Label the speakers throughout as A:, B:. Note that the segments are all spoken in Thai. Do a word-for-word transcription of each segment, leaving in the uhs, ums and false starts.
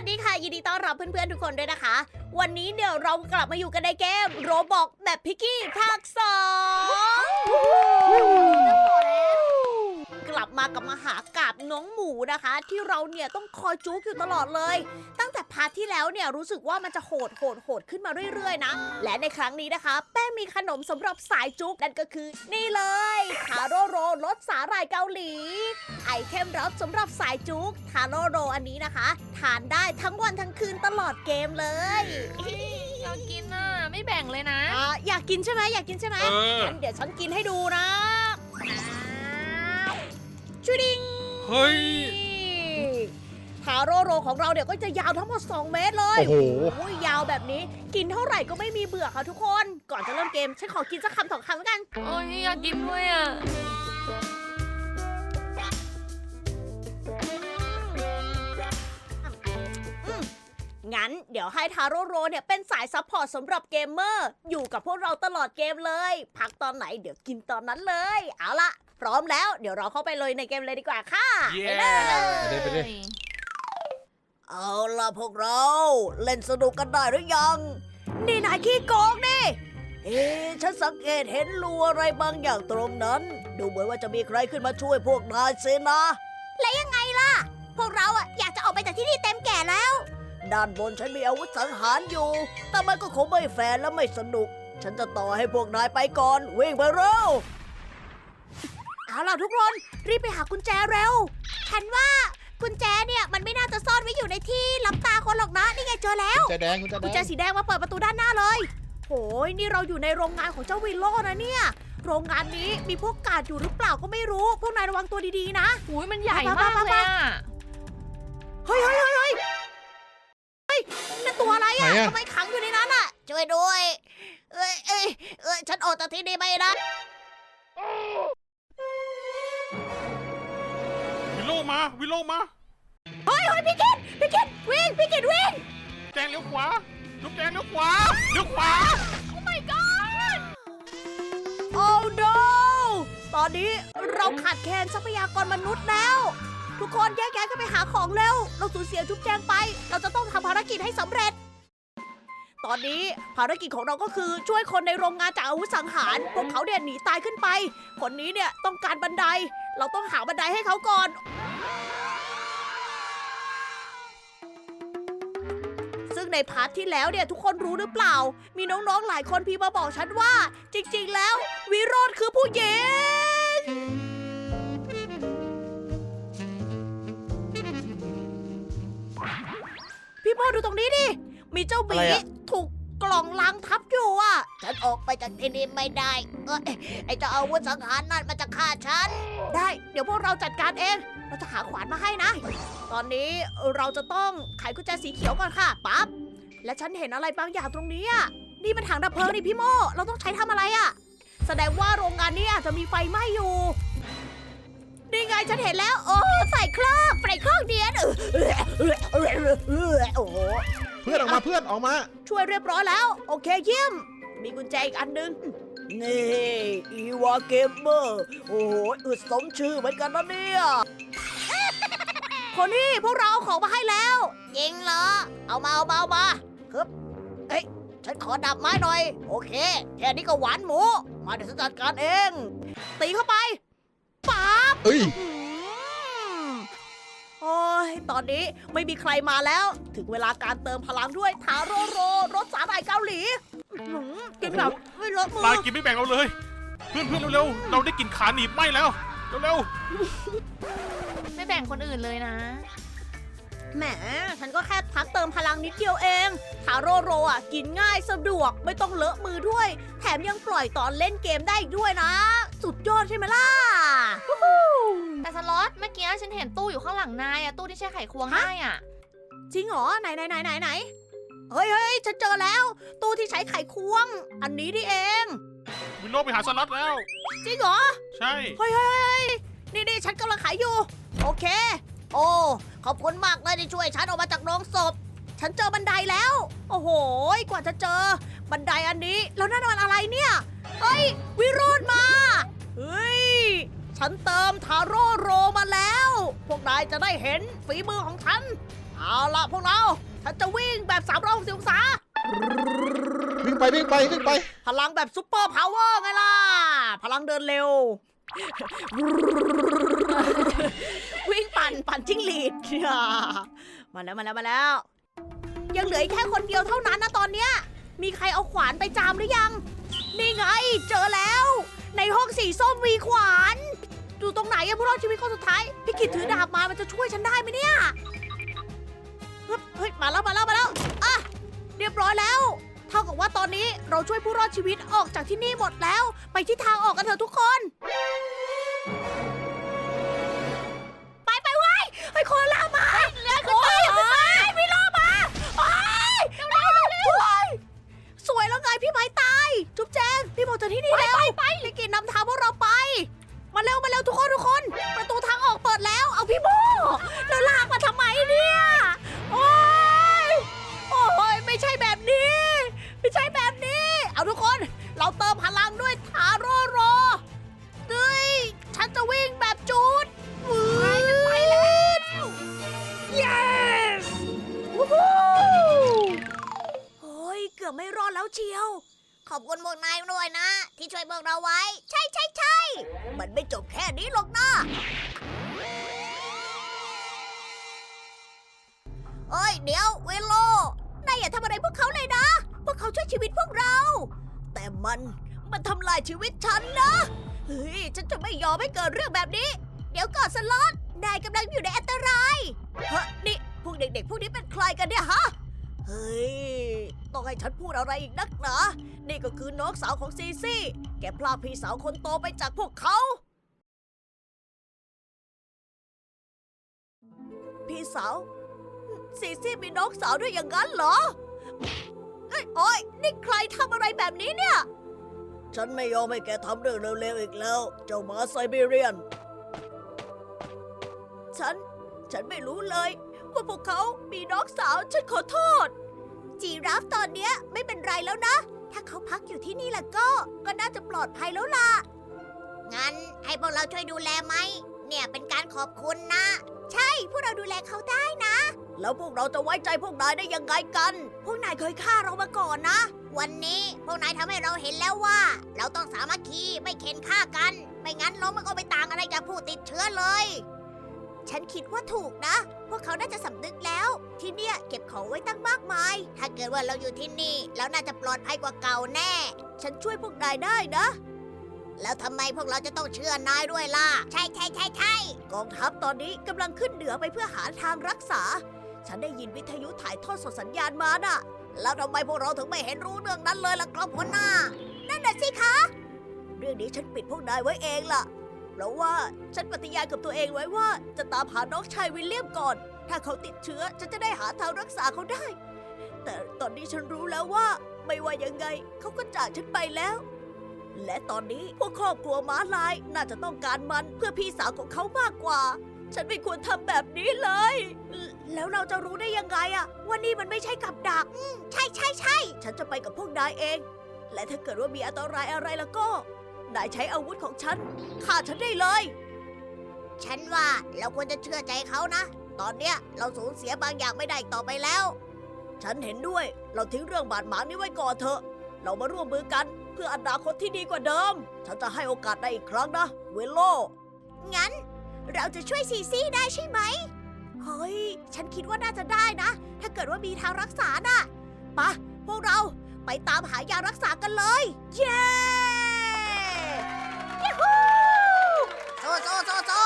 A: ดีค่ะยินดีต้อนรับเพื่อนๆทุกคนด้วยนะคะ วันนี้เดี๋ยวเรากลับมาอยู่กันในเกมโรบอกแบบพิกกี้ภาคสองกลับมากับมหากาพย์น้องหมูนะคะ ที่เราเนี่ยต้องคอยจุกอยู่ตลอดเลย ตั้งแต่พาร์ทที่แล้วเนี่ยรู้สึกว่ามันจะโหดโหดโหดขึ้นมาเรื่อยๆนะและในครั้งนี้นะคะ แป้งมีขนมสำหรับสายจุกนั่นก็คือนี่เลยทาโร่โรรสสาหร่ายเกาหลีไอเทมรับสำหรับสายจุกทาโร่โรอันนี้นะคะทานได้ทั้งวันทั้งคืนตลอดเกมเลย
B: อยากกินอ่ะไม่แบ่งเลยนะ
A: อ่ะอยากกินใช่ไหมอยากกินใช่ไหม
C: เออ
A: งั้นเดี๋ยวฉันกินให้ดูนะชูดิง
C: เฮ้ย
A: ทาโร่โรของเราเดี๋ยวก็จะยาวทั้งหมดสองเมตรเลย
C: โอ้โห
A: โอ้ยยาวแบบนี้กินเท่าไหร่ก็ไม่มีเบื่อค่ะทุกคน ก่อนจะเริ่มเกมฉันขอกินสักคำสองคำแล้วกัน
B: โอ้ยอยากกินด้วยอ่ะ
A: งั้นเดี๋ยวให้ทาโร่โรเนี่ยเป็นสายซัพพอร์ตสำหรับเกมเมอร์อยู่กับพวกเราตลอดเกมเลย พักตอนไหนเดี๋ยวกินตอนนั้นเลย เอาล่ะ พร้อมแล้วเดี๋ยวเราเข้าไปเลยในเกมเลยดีกว่าค่ะ
C: เย้
A: ไปเลย
C: ไปดิไปดิ
A: เอาล่ะพวกเราเล่นสนุกกันได้หรือยัง นี่นายขี้โกงนี่เอ๊ะฉันสังเกตเห็นรูอะไรบางอย่างตรงนั้น ดูเหมือนว่าจะมีใครขึ้นมาช่วยพวกนายสินะ และยังไงล่ะ พวกเราอะอยากจะออกไปจากที่นี่เต็มแก่แล้ว ด้านบนฉันมีอาวุธสังหารอยู่ แต่มันก็คงไม่แฟร์และไม่สนุก ฉันจะต่อให้พวกนายไปก่อน วิ่งไปเร็ว เอาล่ะทุกคน รีบไปหากุญแจเร็ว ฉันว่ากุญแจเนี่ยมันไม่น่าจะซ่อนไว้อยู่ในที่ลับตาคนหรอกนะ นี่ไงเจอแล้ว
C: กุญแจแดงกุญแจแด
A: กุญ
C: ง
A: แจสีแดงมาเปิดประตูด้านหน้าเลยโหยนี่เราอยู่ในโรงงานของเจ้าวิลโล่นะเนี่ย โรงงานนี้มีพวกกาดอยู่หรือเปล่าก็ไม่รู้ พวกนายระวังตัวดีๆนะ
B: อุ้ยมันใหญ่มากเลยอ่ะ
A: เฮ้ยเฮ้ยเฮ้ยเฮ้ยเฮ้ยนั่นตัวอะไรอะ
C: ไหนอะ
A: ทำไมขังอยู่ในนั้นอะช่วยด้วย เอ้ยเอ้ยเอ้ยฉันออกจากที่นี่ไม่ได้
C: วิโลมาวิโลมา
A: เฮ้ยเฮ้ยพี่กิตพี่กิตวิ่งพี่กิตวิ่ง
C: แจงเลี้ยวขวาลูกแจงเลี้ยวขวาเลี้ยวขวา
A: โอ้ my god โอ้ no ตอนนี้เราขาดแคลนทรัพยากรมนุษย์แล้ว ทุกคนแยกย้ายกันไปหาของเร็ว เราสูญเสียจุ๊บแจงไป เราจะต้องทำภารกิจให้สำเร็จ ตอนนี้ภารกิจของเราก็คือช่วยคนในโรงงานจากอาวุธสังหาร พวกเขาเนี่ยหนีตายขึ้นไป คนนี้เนี่ยต้องการบันได เราต้องหาบันไดให้เขาก่อน ซึ่งในพาร์ทที่แล้วเนี่ยทุกคนรู้หรือเปล่า มีน้องๆหลายคนพี่มาบอกฉันว่า จริงๆแล้ว วิโรธคือผู้หญิง พี่โมดูตรงนี้ดิ มีเจ้าหมี
C: อะไรอะ
A: ถูกกล่องลังทับอยู่อ่ะ ฉันออกไปจากที่นี่ไม่ได้ เอ้ยไอ้เจ้าอาวุธสังหารนั่นมันจะฆ่าฉัน ได้ เดี๋ยวพวกเราจัดการเอง เราจะหาขวานมาให้นะ ตอนนี้เราจะต้องไขกุญแจสีเขียวก่อนค่ะ ปั๊บ และฉันเห็นอะไรบางอย่างตรงนี้อ่ะ นี่มันถังดับเพลิงนี่พี่โม เราต้องใช้ทำอะไรอ่ะ แสดงว่าโรงงานนี้อาจจะมีไฟไหม้อยู่ นี่ไงฉันเห็นแล้ว โอ้ใส่ครอบใส่ครอบเดียนเออเออเออเออเออโอ้โห
C: เพื่อนออกมาเพื่อนออกมา
A: ช่วยเรียบร้อยแล้ว โอเคเยี่ยม มีกุญแจอีกอันหนึง นี่อีวาเกมเมอร์โอ้โหอึดสมชื่อเหมือนกันนะเนี่ยคนนี้พวกเราเอาของมาให้แล้วจริงเหรอ เอามาเอามาเอามาครับเอ้ยฉันขอดับไม้หน่อย โอเค แค่นี้ก็หวานหมู มาเดี๋ยวฉันจัดการเอง ตีเข้าไปปั๊บ
C: เอ้ย
A: อืมโอ้ย ตอนนี้ไม่มีใครมาแล้ว ถึงเวลาการเติมพลังด้วยทาโร่โรรสสาหร่ายเกาหลีอื้อหือกินแบบไม่เลอะมื
C: นาย
A: อ
C: กินไม่แบ่งเราเลย เพื่อนเพื่อนเร็วๆเราได้กลินขาหนีบไหมแล้วเร็ว
B: ไม่แบ่งคนอื่นเลยนะ
A: แหม ฉันก็แค่พักเติมพลังนิดเดียวเองทาโร่โรอ่ะ กินง่ายสะดวกไม่ต้องเลอะมือด้วย แถมยังปล่อยตอนเล่นเกมได้อีกด้วยนะ สุดยอดใช่ไหมล่ะวู้ฮู้
B: แต่สล็อตเมื่อกี้ฉันเห็นตู้อยู่ข้างหลังนายอ่ะตู้ที่ใช้ไขควงได้อ่ะ
A: จริงเหรอ ไหนไหนไหนไหนไหนเฮ้ยเฮ้ยฉันเจอแล้ว ตู้ที่ใช้ไขควง อันนี้นี่เอง
C: ๆวิโลไปหาสล็อตแล้ว
A: จริงเหรอ
C: ใช่
A: เฮ้ยเฮ้ยเฮ้ยนี่นี่ฉันกำลังขายอยู่ โอเค โอ้ ขอบคุณมากเลยที่ช่วยฉันออกมาจากโรงศพ ฉันเจอบันไดแล้ว โอ้โห กว่าจะเจอ บันไดอันนี้ แล้วนั่นมันอะไรเนี่ย เฮ้ย วิโรจน์มา เฮ้ย ฉันเติมทาโร่โรมาแล้ว พวกนายจะได้เห็นฝีมือของฉัน เอาล่ะพวกเราฉันจะวิ่งแบบสามร้อยหกสิบองศา
D: วิ่งไปวิ่งไปวิ่งไป
A: พลังแบบซุปเปอร์พาวเวอร์ไงล่ะ พลังเดินเร็ว วิ่งปั่นปั่นจิ้งหรีด มาแล้วมาแล้วมาแล้ว ยังเหลืออีกแค่คนเดียวเท่านั้นนะตอนเนี้ย มีใครเอาขวานไปจามหรือยัง นี่ไง เจอแล้ว ในห้องสีส้มมีขวานอยู่ตรงไหนอะผู้รอดชีวิตคนสุดท้าย พี่กิตถือดาบมา มันจะช่วยฉันได้ไหมเนี่ยเฮ้ยเฮ้ยมาแล้วมาแล้วมาแล้วอ่ะเรียบร้อยแล้ว เท่ากับว่าตอนนี้เราช่วยผู้รอดชีวิตออกจากที่นี่หมดแล้ว ไปที่ทางออกกันเถอะทุกคน ไปไปไว้ไอ้โคลามาเรือขึ้นไปพี่โลมาโอ้ยเร็วเร็วเร็วสวยแล้วไงพี่ไม้ตาย จุ๊บแจงพี่บอกจากที่นี่แล้วไปไปพี่กินนำทางพวกเราไป มาเร็วมาเร็วทุกคนทุกคน ประตูทางออกเปิดแล้ว เอาพี่โมแล้วลากมาทำไมเนี่ยโอ้ยโอ้ยไม่ใช่แบบนี้ ไม่ใช่แบบนี้ เอาทุกคน เราเติมพลังด้วยทาโร่โรเฮ้ยฉันจะวิ่งแบบจูดไปไปแล้ว yes วู้ฮู้โอ้ยเกือบไม่รอดแล้วเชียว ขอบคุณพวกนายด้วยนะ ที่ช่วยพวกเราไว้ ใช่ใช่ใช่มันไม่จบแค่นี้หรอกนะเอ้ยเดี๋ยวเวโลนายอย่าทำอะไรพวกเขาเลยนะ พวกเขาช่วยชีวิตพวกเรา แต่มันมันทำลายชีวิตฉันนะเฮ้ยฉันจะไม่ยอมให้เกิดเรื่องแบบนี้ เดี๋ยวก่อนสล็อตนายกำลังอยู่ในอันตรายฮะนี่พวกเด็กๆพวกนี้เป็นใครกันเนี่ยฮะเฮ้ยต้องให้ฉันพูดอะไรอีกนักหนานี่ก็คือน้องสาวของซีซี่แกพลากพี่สาวคนโตไปจากพวกเขาพี่สาวซีซี่มีน้องสาวด้วยอย่างนั้นเหรอเอ้ยโอ้ยนี่ใครทำอะไรแบบนี้เนี่ยฉันไม่ยอมให้แกทำเรื่องเร็วๆอีกแล้วเจ้าหมาไซบีเรียนฉันฉันไม่รู้เลยว่าพวกเขามีน้องสาวฉันขอโทษจีราฟตอนเนี้ยไม่เป็นไรแล้วนะถ้าเขาพักอยู่ที่นี่ล่ะก็ก็น่าจะปลอดภัยแล้วล่ะงั้นให้พวกเราช่วยดูแลไหมเนี่ยเป็นการขอบคุณนะใช่พวกเราดูแลเขาได้นะแล้วพวกเราจะไว้ใจพวกนายได้ยังไงกันพวกนายเคยฆ่าเรามาก่อนนะวันนี้พวกนายทำให้เราเห็นแล้วว่าเราต้องสามัคคีไม่เข็นฆ่ากันไม่งั้นเรามันก็ไม่ต่างอะไรจากผู้ติดเชื้อเลยฉันคิดว่าถูกนะพวกเขาน่าจะสำนึกแล้วที่เนี่ยเก็บของไว้ตั้งมากมายถ้าเกิดว่าเราอยู่ที่นี่แล้วน่าจะปลอดภัยกว่าเก่าแน่ฉันช่วยพวกนายได้นะแล้วทำไมพวกเราจะต้องเชื่อนายด้วยล่ะใช่ใช่ใช่ใช่กองทัพตอนนี้กำลังขึ้นเหนือไปเพื่อหาทางรักษาฉันได้ยินวิทยุถ่ายทอดสดสัญญาณมาน่ะแล้วทำไมพวกเราถึงไม่เห็นรู้เรื่องนั้นเลยล่ะครับหัวหน้านั่นน่ะสิคะเรื่องนี้ฉันปิดพวกนายไว้เองล่ะเพราะว่าฉันปฏิญาณกับตัวเองไว้ว่าจะตามหาน้องชายวิลเลียมก่อนถ้าเขาติดเชื้อฉันจะได้หาทางรักษาเขาได้แต่ตอนนี้ฉันรู้แล้วว่าไม่ว่ายังไงเขาก็จากฉันไปแล้วและตอนนี้พวกครอบครัวม้าลายน่าจะต้องการมันเพื่อพี่สาวของเขามากกว่าฉันไม่ควรทำแบบนี้เลยแล้วเราจะรู้ได้ยังไงอะว่านี่มันไม่ใช่กับดักใช่ใช่ใช่ฉันจะไปกับพวกนายเองและถ้าเกิดว่ามีอันตรายอะไรแล้วก็นายใช้อาวุธของฉันฆ่าฉันได้เลยฉันว่าเราควรจะเชื่อใจเขานะตอนเนี้ยเราสูญเสียบางอย่างไม่ได้ต่อไปแล้วฉันเห็นด้วยเราทิ้งเรื่องบาดหมางนี้ไว้ก่อนเถอะเรามาร่วมมือกันเพื่ออนาคตที่ดีกว่าเดิมฉันจะให้โอกาสได้อีกครั้งนะเวโลงั้นเราจะช่วยซีซี่ได้ใช่ไหมเฮ้ยฉันคิดว่าน่าจะได้นะถ้าเกิดว่ามีทางรักษาน่ะปะพวกเราไปตามหายารักษากันเลยเย้ยูฮูโซโซโซโซ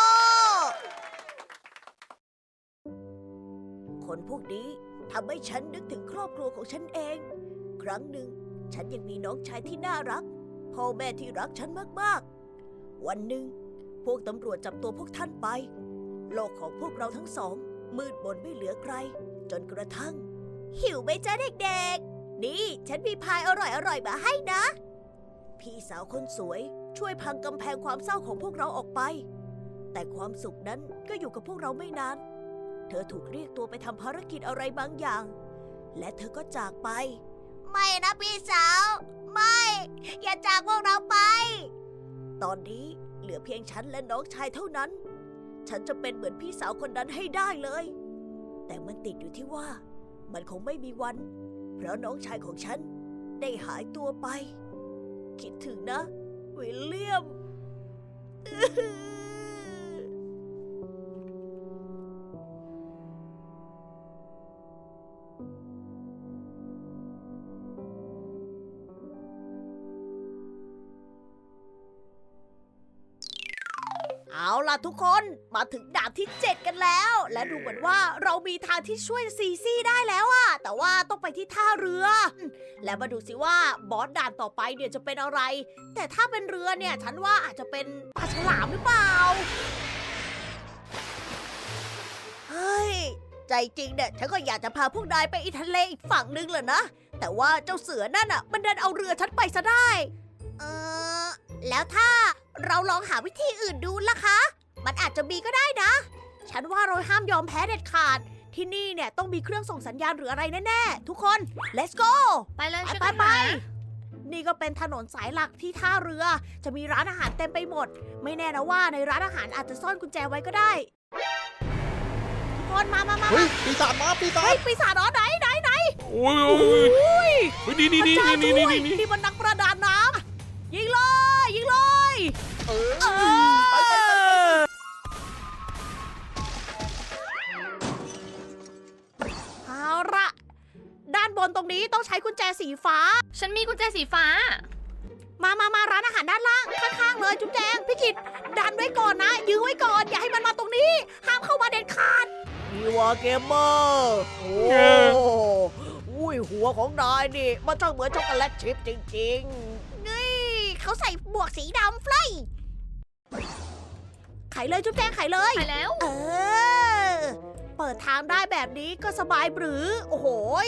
A: คนพวกนี้ทำให้ฉันนึกถึงครอบครัวของฉันเองครั้งหนึ่งฉันยังมีน้องชายที่น่ารักพ่อแม่ที่รักฉันมากๆวันหนึ่งพวกตำรวจจับตัวพวกท่านไปโลกของพวกเราทั้งสองมืดมนไม่เหลือใครจนกระทั่งหิวไหมจ๊ะเด็กๆนี่ฉันมีพายอร่อยๆมาให้นะพี่สาวคนสวยช่วยพังกำแพงความเศร้าของพวกเราออกไปแต่ความสุขนั้นก็อยู่กับพวกเราไม่นานเธอถูกเรียกตัวไปทำภารกิจอะไรบางอย่างและเธอก็จากไปไม่นะพี่สาวไม่อย่าจากพวกเราไปตอนนี้เหลือเพียงฉันและน้องชายเท่านั้นฉันจะเป็นเหมือนพี่สาวคนนั้นให้ได้เลยแต่มันติดอยู่ที่ว่ามันคงไม่มีวัน เพราะน้องชายของฉันได้หายตัวไป คิดถึงนะ วิลเลียม เอาล่ะทุกคนมาถึงด่านที่เจ็ดกันแล้ว และดูเหมือนว่าเรามีทางที่ช่วยซีซี่ได้แล้วอะแต่ว่าต้องไปที่ท่าเรือ และมาดูสิว่าบอสด่านต่อไปเนี่ยจะเป็นอะไร แต่ถ้าเป็นเรือเนี่ยฉันว่าอาจจะเป็นปลาฉลามหรือเปล่า เฮ้ย ใจจริงเนี่ยฉันก็อยากจะพาพวกนายไปอีทะเลอีกฝั่งนึงเลยนะ แต่ว่าเจ้าเสือนั่นอะมันดันเอาเรือฉันไปซะได้ เออแล้วถ้าเราลองหาวิธีอื่นดูล่ะคะ มันอาจจะมีก็ได้นะ ฉันว่าเราห้ามยอมแพ้เด็ดขาด ที่นี่เนี่ยต้องมีเครื่องส่งสัญญาณหรืออะไรแน่ๆ ทุกคน let's go
B: ไปเลย
A: ไป
B: ช่วย
A: ไป
B: กัน
A: ไป
B: หา
A: นี่ก็เป็นถนนสายหลักที่ท่าเรือ จะมีร้านอาหารเต็มไปหมด ไม่แน่นะว่าในร้านอาหารอาจจะซ่อนกุญแจไว้ก็ได้ ทุกคนมามามา
D: เฮ้ยปีศาจมาปีศา
A: เฮ้
D: จ
A: ยปีศาจเหรอไหนไหนไหน
C: โอ้ย
A: โอ้
C: โอ้ย
A: โห
C: เฮ้ยนี่นี่
A: พระ
C: นี่
A: เจ้า
C: นี่
A: ช่
C: นี่
A: วย
C: นี่นี่
A: นี่มันนักประดาน้ำยิงเลย ยิงเลย
D: เออ
A: เออ
D: ไปไปไปไป
A: เอาละด้านบนตรงนี้ต้องใช้กุญแจสีฟ้า
B: ฉันมีกุญแจสีฟ้า
A: มามามาร้านอาหารด้านล่าง ข้างๆเลยจุ๊บแจงพี่กิตดันไว้ก่อนนะ ยื้อไว้ก่อน อย่าให้มันมาตรงนี้ ห้ามเข้ามาเด็ดขาดนี่ว่าเกมเมอร์โอ้อุ้ยหัวของนายนี่ มันช่างเหมือนช็อกโกแลตชิพจริงๆ นี่เขาใส่หมวกสีดำเฟลยไขเลยจุ๊บแจงไขเลย
B: ไปแล้ว
A: เออ เปิดทางได้แบบนี้ก็สบายหรือ โอ้โหย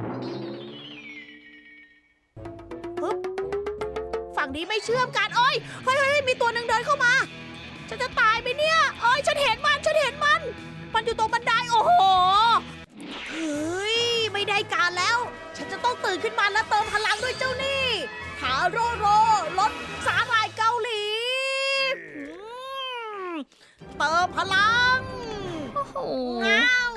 A: ปึ๊บฝั่งนี้ไม่เชื่อมกันโอ้ยเฮ้ยเฮ้ยมีตัวหนึ่งเดินเข้ามา ฉันจะตายไหมเนี่ยโอ้ยฉันเห็นมัน ฉันเห็นมัน มันอยู่ตรงบันได โอ้โห เฮ้ย ไม่ได้การแล้ว ฉันจะต้องตื่นขึ้นมาและเติมพลังด้วยเจ้านี่หาโรโรรสสาหร่ายเกาหลีอืมเติมพลัง
B: โอ้โห
A: ง้าว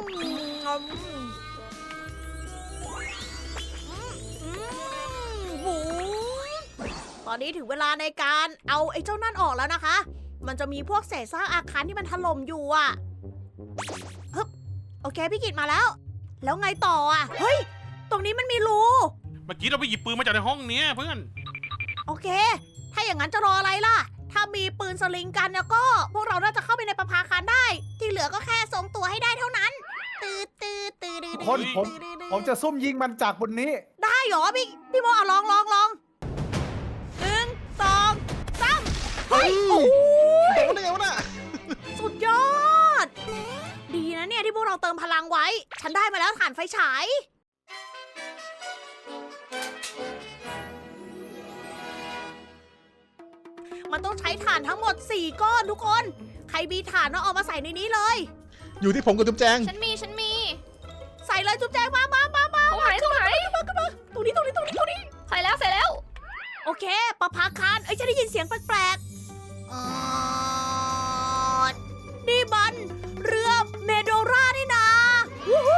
A: หูตอนนี้ถึงเวลาในการเอาไอ้เจ้านั่นออกแล้วนะคะ มันจะมีพวกเศษซากอาคารที่มันถล่มอยู่อ่ะฮึบโอเคพี่กิตมาแล้ว แล้วไงต่ออ่ะ เฮ้ย ตรงนี้มันมีรู
C: เมื่อกี้เราไปหยิบปืนมาจากในห้องเนี้ยเพื่อน
A: โอเค ถ้าอย่างนั้นจะรออะไรล่ะ ถ้ามีปืนสลิงกันแล้วก็ พวกเราน่าจะเข้าไปในประภาคารได้ ที่เหลือก็แค่ทรงตัวให้ได้เท่านั้น ตืดตืดตืดตืด
E: คนผม
A: ตืดตืด
E: ผมจะซุ่มยิงมันจากบนนี้
A: ได้เหรอพี่พี่โมเอาลองลองลองหนึ่งสองสามเฮ้ยโอ้ย
D: โดนได้ไงวะน่ะ
A: สุดยอด ดีนะเนี่ยที่พวกเราเติมพลังไว้ ฉันได้มาแล้วถ่านไฟฉาย มันต้องใช้ถ่านทั้งหมดสี่ก้อนทุกคน ใครมีถ่านเอามาใส่ในนี้เลย
D: อยู่ที่ผมกับจุ๊บแจง
B: ฉันมี ฉันมี
A: ใส่เลยจุ๊บแจงมามามามา
B: ตรงไหนตรงไหน
A: ตรงนี้ตรงนี้ตรงนี้ตรงนี้
B: ใส่แล้วใส่แล้ว
A: โอเคประภาคารเอ้ยฉันได้ยินเสียงแปลกๆอ่อนนี่มันเรือเมโดรานี่นาวู้ฮู้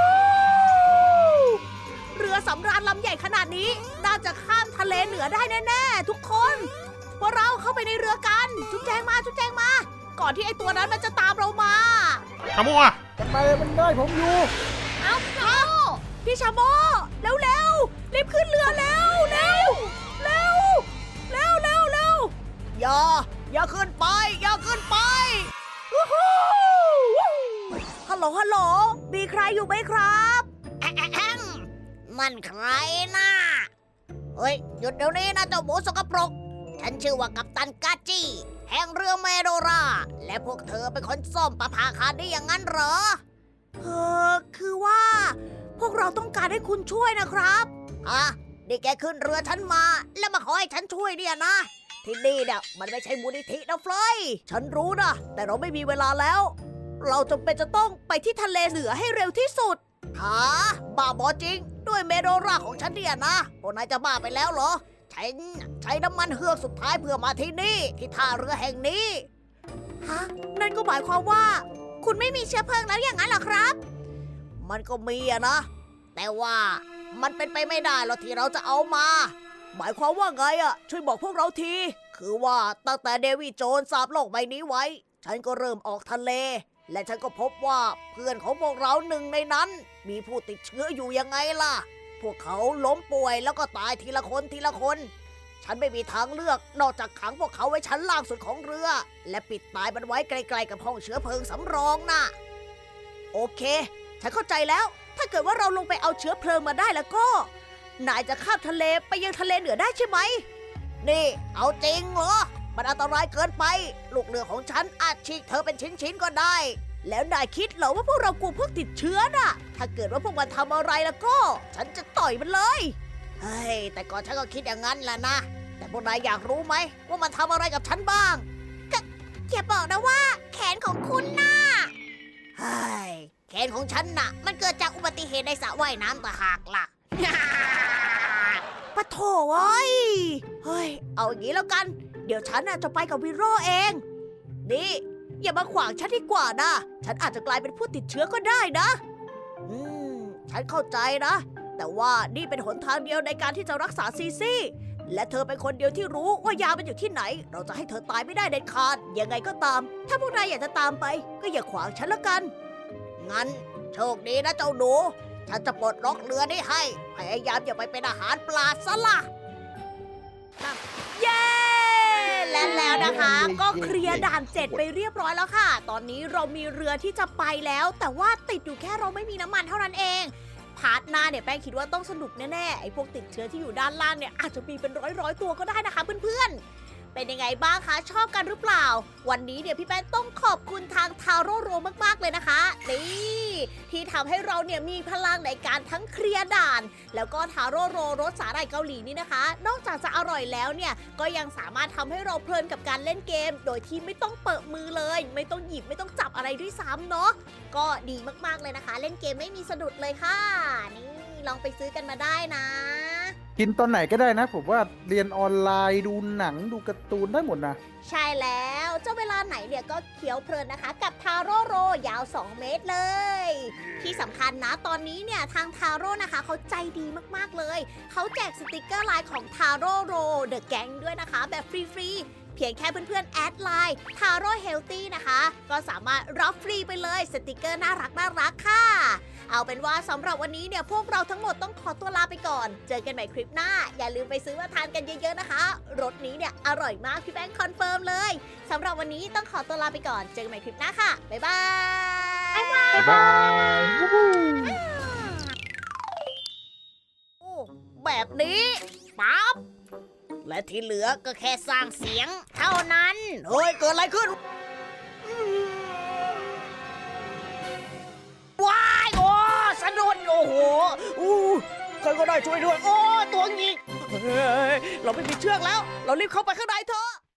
A: เรือสำราญลำใหญ่ขนาดนี้น่าจะข้ามทะเลเหนือได้แน่ๆทุกคนพวกเราเข้าไปในเรือกันจุ๊บแจงมาจุ๊บแจงมา ก่อนที่ไอตัวนั้นมันจะตามเรามา
C: ขโมยอ่ะ
E: มันไปมันได้ผมอยู่
B: เอ้าพี่โม
A: พี่ชาโมเร็วเร็วๆรีบขึ้นเรือเร็วเร็วเร็วเร็วเร็วเร็วอย่าอย่าขึ้นไป อย่าขึ้นไปวู้ฮู้ฮัลโหลฮัลโหลมีใครอยู่ไหมครับแอะแอะแอะมันใครน่ะเฮ้ยหยุดเดี๋ยวนี้นะเจ้าหมูสกปรกฉันชื่อว่ากัปตันกาจิแห่งเรือเมโดราและพวกเธอเป็นคนซ่อมประภาคารได้อย่างนั้นเหรอเออคือว่า พวกเราต้องการให้คุณช่วยนะครับอ่ะนี่แกขึ้นเรือฉันมา แล้วมาขอให้ฉันช่วยเนี่ยนะ ที่นี่เนี่ยมันไม่ใช่มูลนิธินะเฟลยฉันรู้นะ แต่เราไม่มีเวลาแล้ว เราจำเป็นจะต้องไปที่ทะเลเหนือให้เร็วที่สุดฮะบ้าบอจริง ด้วยเมโดราของฉันเนี่ยนะพวกนายจะบ้าไปแล้วเหรอ ฉันใช้น้ำมันเฮือกสุดท้ายเพื่อมาที่นี่ ที่ท่าเรือแห่งนี้ ฮะ นั่นก็หมายความว่า คุณไม่มีเชื้อเพลิงแล้วอย่างนั้นเหรอครับ มันก็มีอะนะแต่ว่ามันเป็นไปไม่ได้หรอกที่เราจะเอามา หมายความว่าไงอะช่วยบอกพวกเราที คือว่าตั้งแต่เดวิดโจนส์สาบโลกใบนี้ไว้ ฉันก็เริ่มออกทะเล และฉันก็พบว่าเพื่อนของพวกเราหนึ่งในนั้น มีผู้ติดเชื้ออยู่ยังไงล่ะ พวกเขาล้มป่วยแล้วก็ตายทีละคนทีละคน ฉันไม่มีทางเลือกนอกจากขังพวกเขาไว้ชั้นล่างสุดของเรือ และปิดตายมันไว้ไกลๆกับห้องเชื้อเพลิงสำรองน่ะ โอเค ฉันเข้าใจแล้ว ถ้าเกิดว่าเราลงไปเอาเชื้อเพลิงมาได้แล้วก็ นายจะข้ามทะเลไปยังทะเลเหนือได้ใช่ไหม นี่ เอาจริงเหรอ มันอันตรายเกินไป ลูกเรือของฉันอาจฉีกเธอเป็นชิ้นๆก็ได้ แล้วนายคิดเหรอว่าพวกเรากลัวพวกติดเชื้อน่ะ ถ้าเกิดว่าพวกมันทำอะไรแล้วก็ ฉันจะต่อยมันเลย เฮ้ย แต่ก่อนฉันก็คิดอย่างนั้นแหละนะ แต่พวกนายอยากรู้ไหมว่ามันทำอะไรกับฉันบ้างก็อย่าบอกนะว่า แขนของคุณน่ะ เฮ้ย แขนของฉันน่ะ มันเกิดจากอุบัติเหตุในสระว่ายน้ำต่างหากล่ะ ปะโถเอ้ย เฮ้ย เอาอย่างนี้แล้วกัน เดี๋ยวฉันน่ะจะไปกับวิโรเอง นี่ อย่ามาขวางฉันดีกว่านะ ฉันอาจจะกลายเป็นผู้ติดเชื้อก็ได้นะ อืม ฉันเข้าใจนะ แต่ว่านี่เป็นหนทางเดียวในการที่จะรักษาซีซี่ และเธอเป็นคนเดียวที่รู้ว่ายามันอยู่ที่ไหน เราจะให้เธอตายไม่ได้เด็ดขาด ยังไงก็ตาม ถ้าพวกนายอยากจะตามไป ก็อย่าขวางฉันละกัน งั้นโชคดีนะเจ้าหนู ฉันจะปลดล็อกเรือนี้ให้ พยายามอย่าไปเป็นอาหารปลาซะละเย้ และแล้วนะคะ ก็เคลียร์ด่านเจ็ดไปเรียบร้อยแล้วค่ะ ตอนนี้เรามีเรือที่จะไปแล้ว แต่ว่าติดอยู่แค่เราไม่มีน้ำมันเท่านั้นเอง พาร์ทหน้าเนี่ยแป้งคิดว่าต้องสนุกแน่ๆ ไอ้พวกติดเชื้อที่อยู่ด้านล่างเนี่ยอาจจะมีเป็นร้อยๆตัวก็ได้นะคะเพื่อนๆ เป็นยังไงบ้างคะ ชอบกันหรือเปล่า วันนี้เนี่ยพี่แป้งต้องขอบคุณทางทาโร่โรมากๆเลยนะคะ นี่ที่ทำให้เราเนี่ยมีพลังในการทั้งเคลียร์ด่าน แล้วก็ทาโร่โรรสสาหร่ายเกาหลีนี่นะคะ นอกจากจะอร่อยแล้วเนี่ยก็ยังสามารถทำให้เราเพลินกับการเล่นเกม โดยที่ไม่ต้องเปิดมือเลย ไม่ต้องหยิบไม่ต้องจับอะไรด้วยซ้ำเนาะก็ดีมากๆเลยนะคะ เล่นเกมไม่มีสะดุดเลยค่ะนี่ลองไปซื้อกันมาได้นะ
E: กินตอนไหนก็ได้นะ ผมว่าเรียนออนไลน์ดูหนังดูการ์ตูนได้หมดนะ
A: ใช่แล้วเจ้าเวลาไหนเนี่ยก็เคี้ยวเพลินนะคะ กับทาโร่โรยาวสองเมตรเลย ที่สำคัญนะตอนนี้เนี่ยทางทาโร่นะคะเขาใจดีมากๆเลยเขาแจกสติกเกอร์ไลน์ของทาโร่โรเดอะแก๊งด้วยนะคะแบบฟรีๆเพียงแค่เพื่อนๆแอดไลน์ทาโร่เฮลตี้นะคะก็สามารถรับฟรีไปเลยสติกเกอร์น่ารักน่ารักค่ะเอาเป็นว่าสำหรับวันนี้เนี่ยพวกเราทั้งหมดต้องขอตัวลาไปก่อน เจอกันใหม่คลิปหน้าอย่าลืมไปซื้อมาทานกันเยอะๆนะคะรสนี้เนี่ยอร่อยมากพี่แป้งคอนเฟิร์มเลยสำหรับวันนี้ต้องขอตัวลาไปก่อนเจอกันใหม่คลิปหน้าค่ะบ๊ายบาย
E: บ๊ายบาย
A: โอ้แบบนี้ปั๊บและที่เหลือก็แค่สร้างเสียงเท่านั้นเฮ้ยเกิดอะไรขึ้นว้ายโอ้สะดุดโอ้โหอู้ใครก็ได้ช่วยด้วยโอ้ตัวหงิกเฮ้ยเราไม่มีเชือกแล้ว เรารีบเข้าไปข้างในเถอะ